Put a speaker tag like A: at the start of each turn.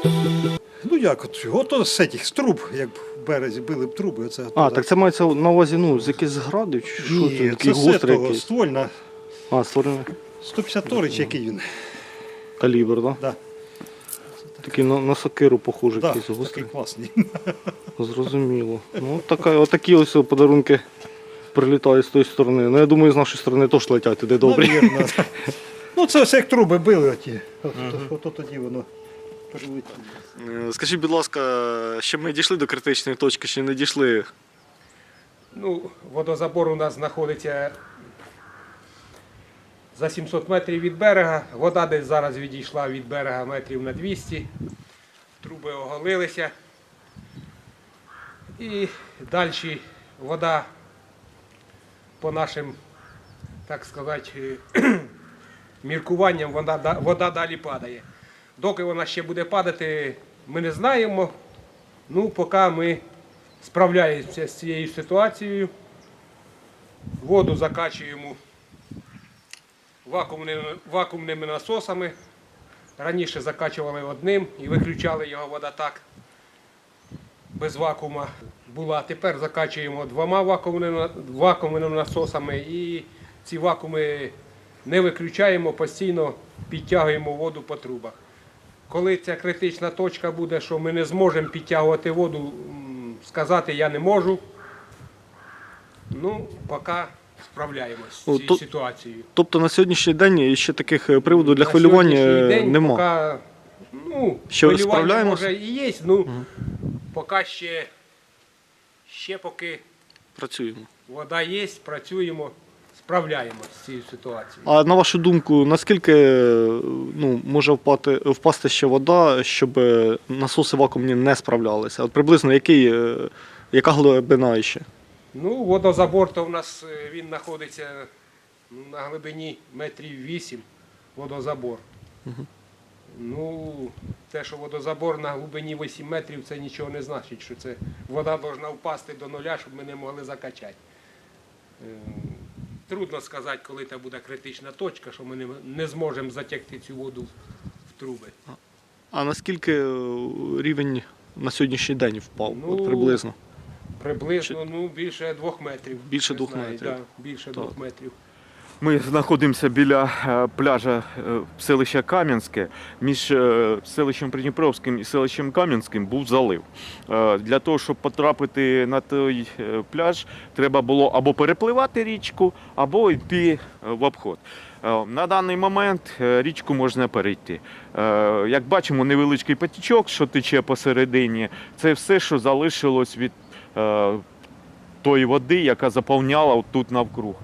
A: Ну як, от з цих, з труб, як в березі били б труби. Оце,
B: Так це мається на увазі, ну, з якихось зградів, чи що це?
A: Ні,
B: Такий
A: це
B: гострий
A: того,
B: якийсь.
A: ствольна,
B: Створений
A: 152 чи який він.
B: калібр, так?
A: Да.
B: Такий на сокиру похожий,
A: Да,
B: якийсь
A: такий
B: гострий.
A: класний.
B: Зрозуміло. Ну, отакі ось подарунки прилітають з тої сторони. Ну, я думаю, з нашої сторони теж летять туди добрі.
A: Навірно. Ну це все як труби били оті. От тоді воно прилетіло.
B: Скажіть, будь ласка, ще ми дійшли до критичної точки, чи не дійшли?
C: Ну, водозабор у нас знаходиться за 700 метрів від берега. Вода десь зараз відійшла від берега метрів на 200. Труби оголилися. І далі вода по нашим, так сказати, міркуванням, вода далі падає. Доки вона ще буде падати, ми не знаємо. Ну, поки ми справляємося з цією ситуацією. Воду закачуємо вакуумними насосами. Раніше закачували одним і виключали його, вода так без вакуума була. Тепер закачуємо двома вакуумними насосами і ці вакууми не виключаємо, постійно підтягуємо воду по трубах. Коли ця критична точка буде, що ми не зможемо підтягувати воду, сказати я не можу. Ну, поки справляємось з цією ситуацією.
B: Тобто на сьогоднішній день ще таких приводів для
C: На
B: хвилювання
C: сьогоднішній день
B: нема?
C: Поки,
B: Що,
C: хвилювання
B: справляємось?
C: може і є, ну, поки ще поки
B: Працюємо.
C: вода є, працюємо, справляємось з цією ситуацією.
B: А на вашу думку, наскільки може впасти ще вода, щоб насоси вакуумні не справлялися? От приблизно яка глибина ще?
C: Ну, водозабор то в нас він знаходиться на глибині метрів 8 водозабор. Ну, те, що водозабор на глибині 8 метрів, це нічого не значить, що це вода повинна впасти до нуля, щоб ми не могли закачати. Трудно сказати, коли це буде критична точка, що ми не зможемо затягти цю воду в труби.
B: А наскільки рівень на сьогоднішній день впав?
C: Ну,
B: От приблизно?
C: Приблизно більше 2 метрів.
B: Більше
C: не
B: 2
C: знаю,
B: метрів.
C: Да, більше 2 метрів.
D: Ми знаходимося біля пляжа селища Кам'янське. Між селищем Придніпровським і селищем Кам'янським був залив. Для того, щоб потрапити на той пляж, треба було або перепливати річку, або йти в обход. На даний момент річку можна перейти. Як бачимо, невеличкий потічок, що тече посередині, це все, що залишилось від тої води, яка заповняла тут навкруг.